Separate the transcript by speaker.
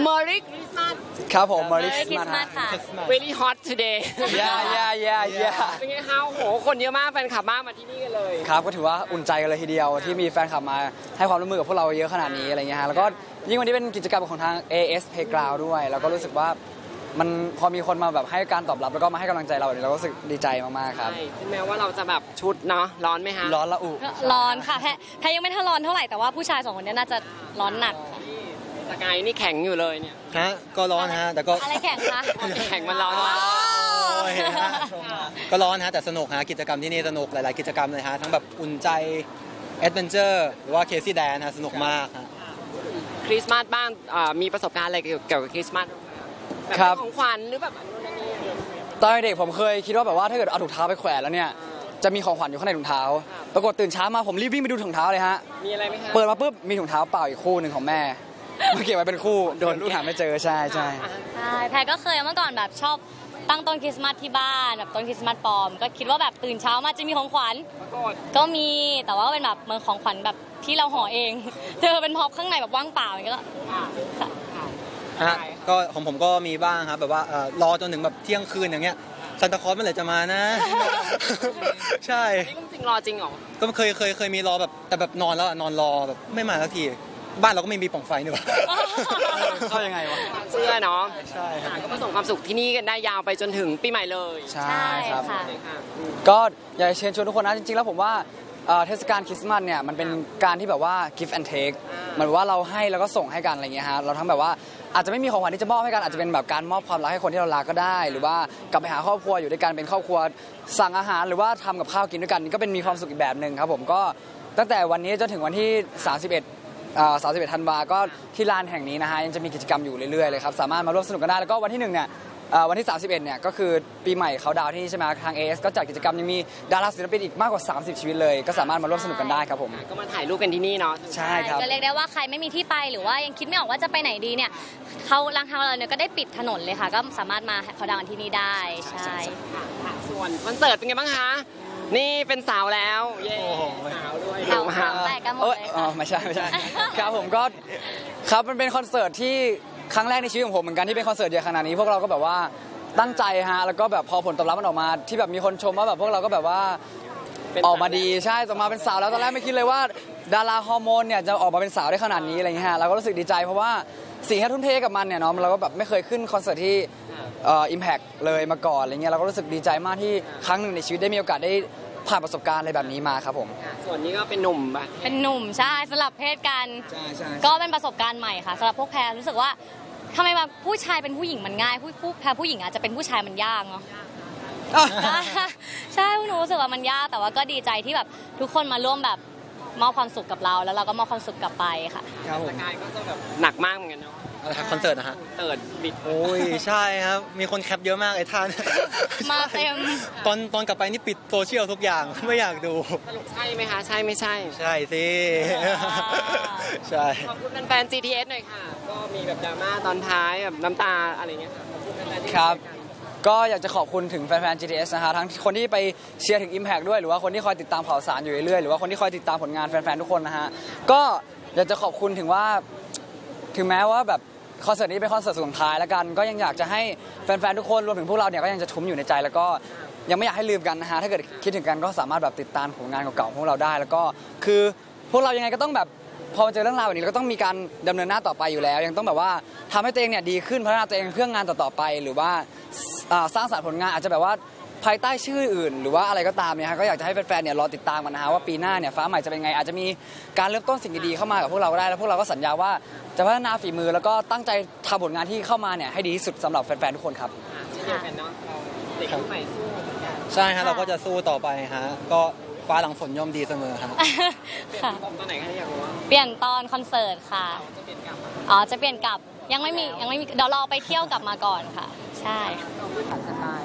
Speaker 1: Merry Christmas
Speaker 2: ครับผม
Speaker 3: Merry Christmas ค่ะ
Speaker 1: Very hot today
Speaker 2: yeah
Speaker 1: เป็นไงคะโอ้โหคนเยอะมากแฟนคลับมากมาที่นี่กันเลย
Speaker 2: ครับก็ถือว่าอุ่นใจกันเลยทีเดียวที่มีแฟนคลับมาให้ความร่วมมือกับพวกเราเยอะขนาดนี้อะไรเงี้ยฮะแล้วก็ยิ่งวันนี้เป็นกิจกรรมของทาง AS Playground ด้วยแล้วก็รู้สึกว่ามันพอมีคนมาแบบให้การตอบรับแล้วก็มาให้กำลังใจเราเนี่ยเราก็รู้สึกดีใจมากๆครับ
Speaker 1: ใช่ถึงแม้ว่าเราจะแบบชุดเนาะร้อนไหมคะ
Speaker 2: ร้อนละอุ
Speaker 3: ร้อนค่ะแพรยังไม่ทันร้อนเท่าไหร่แต่ว่าผู้ชาย2คนนี้น่าจะร้อนหนักค่ะ
Speaker 1: สกายนี่แข็งอยู่เลยเนี่ย
Speaker 4: ฮะก็ร้อนฮะแต่ก็
Speaker 3: อะไรแข่งคะ
Speaker 1: แข็งมันร้อน
Speaker 3: อ๋อ
Speaker 1: มาก
Speaker 4: โอ้ยฮะก็ร้อนฮะแต่สนุกฮะกิจกรรมที่นี่สนุกหลาย ๆ กิจกรรมเลยฮะทั้งแบบอุ่นใจแอดเวนเจอร์หรือว่าเคซี่แดนฮะสนุกมากฮะ
Speaker 1: คริสต์มาสบ้างมีประสบการณ์อะไรเกี่ยวกับคริสต์มาสบ้างไหมแบบ
Speaker 2: ครับ
Speaker 1: ของขวัญหรือแบบอันนู้นอันนี้
Speaker 2: ตอนเด็กผมเคยคิดว่าแบบว่าถ้าเกิดเอาถุงเท้าไปแขวนแล้วเนี่ยจะมีของขวัญอยู่ข้างในถุงเท้าปรากฏตื่นเช้ามาผมรีบวิ่งไปดูถุงเท้าเลยฮะ
Speaker 1: มีอะไรไหมคะ
Speaker 2: เปิดมาปุ๊บมีถุงเท้าเปล่าอีกคู่หนึ่งของแม่มาเก็บไว้เป็นคู่โดนลูกหาไม่เจอใช่
Speaker 3: ใช่แพรก็เคยเมื่อก่อนแบบชอบตั้งต้นคริสต์มาสที่บ้านแบบต้นคริสต์มาสปลอมก็คิดว่าแบบตื่นเช้ามาจะมีของขวัญ
Speaker 1: ปรากฏ
Speaker 3: ก็มีแต่ว่าเป็นแบบเหมือนของขวัญแบบที่เราห่อเอง เจอเป็นพ็อปข้างในแบบว่างเปล่าอย่างเงี้ยก็
Speaker 1: ค่ะ
Speaker 4: ฮะก็ของผมก็มีบ้างครับแบบว่ารอจนถึงแบบเที่ยงคืนอย่างเงี้ยซันตาคลอสเมื่อไหร่จะมานะ ใช่
Speaker 1: นี่เรื่องจริงรอจริงเหรอ
Speaker 4: ก็เคยมีรอแบบแต่แบบนอนแล้วอะนอนรอแบบไม่มาสักทีบ้านเราก็ไม่มีปล่องไฟนี่หว่า
Speaker 2: เข้ายังไงวะ
Speaker 1: เชื่อเนาะ
Speaker 4: ใช่ครับ
Speaker 1: ก็ประสบความสุขที่นี่กันได้ยาวไปจนถึงปีใหม่เลย
Speaker 2: ใช่ครับ
Speaker 3: ค่ะ
Speaker 1: ใช่ค่ะ
Speaker 2: ก็อยากจะเชิญชวนทุกคนนะจริงๆแล้วผมว่าเทศกาลคริสต์มาสเนี่ยมันเป็นการที่แบบว่า give and take เหมือนว่าเราให้แล้วก็ส่งให้กันอะไรเงี้ยฮะเราทั้งแบบว่าอาจจะไม่มีของขวัญที่จะมอบให้กันอาจจะเป็นแบบการมอบความรักให้คนที่เรารักก็ได้ หรือว่ากลับไปหาครอบครัวอยู่ด้วยกันเป็นครอบครัวสั่งอาหารหรือว่าทำกับข้าวกินด้วยกันนี่ก็เป็นมีความสุขอีกแบบหนึ่งครับผมก็ตั้งแต่วันนี้จนถึงวันที่ 31 ธันวาก็ที่ลานแห่งนี้นะฮะยังจะมีกิจกรรมอยู่เรื่อยๆเลยครับสามารถมาร่วมสนุกกันได้แล้วก็วันที่1เนี่ยวันที่ 31 เนี่ยก็คือปีใหม่เขาดาวน์ที่นี่ใช่ไหมทาง AS ก็จัดกิจกรรมยังมีดาราศิลปินอีกมากกว่า 30 ชีวิตเลย ก็สามารถมาร่วมสนุกกันได้ครับผม
Speaker 1: ก็มาถ่ายรูปกันที่นี่เนาะ
Speaker 2: ใช่ครับ
Speaker 3: ก็เรียกได้ว่าใครไม่มีที่ไปหรือว่ายังคิดไม่ออกว่าจะไปไหนดีเนี่ยเขาทางเราเนี่ยก็ได้ปิดถนนเลยค่ะ ก็สามารถมาเขาดาวน์ที่นี่ได้ใช่
Speaker 1: ค่ะส่วนคอนเสิร์ตเป็นไงบ้างคะ นี่เป็นสาวแล้ว เย้
Speaker 4: โอ้โห
Speaker 1: สาวด้วย
Speaker 3: เรา
Speaker 1: มา
Speaker 3: แตกกันหมด
Speaker 2: เอ้ย
Speaker 3: เลย
Speaker 2: อ๋อ
Speaker 3: ค่ะ
Speaker 2: ไม่ใช่ ครับผมก็ครับมันเป็นคอนเสิร์ตที่ครั้งแรกในชีวิตของผมเหมือนกันที่เป็นคอนเสิร์ตใหญ่ขนาดนี้พวกเราก็แบบว่าตั้งใจฮะแล้วก็แบบพอผลตอบรับมันออกมาที่แบบมีคนชมว่าแบบพวกเราก็แบบว่า
Speaker 1: เป็น
Speaker 2: ออกมาดีใช่ออกมาเป็นสาวแล้วตอนแรกไม่คิดเลยว่าดาราฮอร์โมนเนี่ยจะออกมาเป็นสาวได้ขนาดนี้อะไรเงี้ยฮะเราก็รู้สึกดีใจเพราะว่าสิ่งที่ทุ่มเทกับมันเนี่ยเนาะเราก็แบบไม่เคยขึ้นคอนเสิร์ตที่Impact เลยมาก่อนอะไรเงี้ยเราก็รู้สึกดีใจมากที่ครั้งหนึ่งในชีวิตได้มีโอกาสได้ผ่านประสบการณ์อะไรแบบนี้มาครับผม
Speaker 1: ค่ะส่วนนี้ก็เป็นหนุ่มปะ
Speaker 3: เป็นหนุ่มใช่สลับเพศกัน
Speaker 2: ใช่ใช่
Speaker 3: ก็เป็นประสบการณ์ใหม่ค่ะสำหรับพวกแพรรู้สึกว่าทำไมแบบผู้ชายเป็นผู้หญิงมันง่ายแพรผู้หญิงอาจจะเป็นผู้ชายมันยากเนาะ ใช่พวกหนูรู้สึกว่ามันยากแต่ว่าก็ดีใจที่แบบทุกคนมาร่วมแบบมอบความสุขกับเราแล้วเราก็มอบความสุขกลับไปค่ะ
Speaker 2: ครับผ
Speaker 1: ส
Speaker 2: ม
Speaker 1: กายก็จะแบบหนักมากเหมือนกันเนาะ
Speaker 4: คอนเสิร์ตนะฮะ
Speaker 1: เติร์ดบิด
Speaker 4: โอ้ยใช่ครับมีคนแคปเยอะมากไอ้ท่าน
Speaker 3: มาเต็ม
Speaker 4: ตอนกลับไปนี่ปิดโซเชียลทุกอย่างไม่อยากดู
Speaker 1: สรุปใช่ไหมคะ ใช่ไม่ใช่
Speaker 4: ใช่สิใช่
Speaker 1: ขอบคุณแฟนๆ GTS หน่อยค่ะ ก็มีแบบดราม่าตอนท้ายแบบน้ำตาอะไรเงี้ยค่ะ ขอบคุณแฟนๆที่
Speaker 2: ครับ
Speaker 1: ช่วยกัน
Speaker 2: ก็อยากจะขอบคุณถึงแฟนๆ GTS นะฮะทั้งคนที่ไปเชียร์ถึง Impact ด้วยหรือว่าคนที่คอยติดตามข่าวสารอยู่เรื่อยๆหรือว่าคนที่คอยติดตามผลงานแฟนๆ ทุกคนนะฮะก็อยากจะขอบคุณถึงว่าถึงแม้ว่าแบบคอนเสิร์ตนี้เป็นคอนเสิร์ตสุดท้ายแล้วกันก็ยังอยากจะให้แฟนๆ ทุกคนรวมถึงพวกเราเนี่ยก็ยังจะทุ้มอยู่ในใจแล้วก็ยังไม่อยากให้ลืมกันนะฮะถ้าเกิดคิดถึงกันก็สามารถแบบติดตามผลงานเก่าๆของพวกเราได้ แล้วก็คือพวกเรายังไงก็ต้องแบบพอมาเจอเรื่องราวแบบนี้เราก็ต้องมีการดำเนินหน้าต่อไปอยู่แล้ว ยังต้องแบบว่าทำให้ตัวเองเนี่ยดีขึ้นพัฒนาตัวเองเพื่องานต่อๆไปหรือว่าสร้างสรรค์ผลงานอาจจะแบบว่าภายใต้ชื่ออื่น หรือว่าอะไรก็ตามเนี่ยฮะก็อยากจะให้แฟนๆเนี่ยรอติดตามกันนะฮะว่าปีหน้าเนี่ยฟ้าใหม่จะเป็นไงอาจจะมีการเริ่มต้นสิ่งดีๆเข้ามากับพวกเราก็ได้แล้วพวกเราก็สัญญาว่าจะพัฒนาฝีมือแล้วก็ตั้งใจทำผลงานที่เข้ามาเนี่ยให้ดีที่สุดสำหรับแฟนๆทุกคนครับ
Speaker 1: เช่นเดียวกันเนาะเราเด็กรุ่นใหม่สู้เหมือนกัน
Speaker 4: ใช่ฮะเราก็จะสู้ต่อไปฮะก็ฟ้าหลังฝนย่อมดีเสมอฮะ
Speaker 3: ค่ะ
Speaker 1: ตอนไหนคะอยากรู้ว่า
Speaker 3: เปลี่ยนตอนคอนเสิร์ตค่ะ
Speaker 1: เราจะเปลี่ยนกลับมา
Speaker 3: อ๋อจะเปลี่ยนกลับยังไม่มีเดี๋ยวรอไปเที่ยวกลับมาก่อนค่ะ ใช่
Speaker 1: เราไม่ตัดสไตล์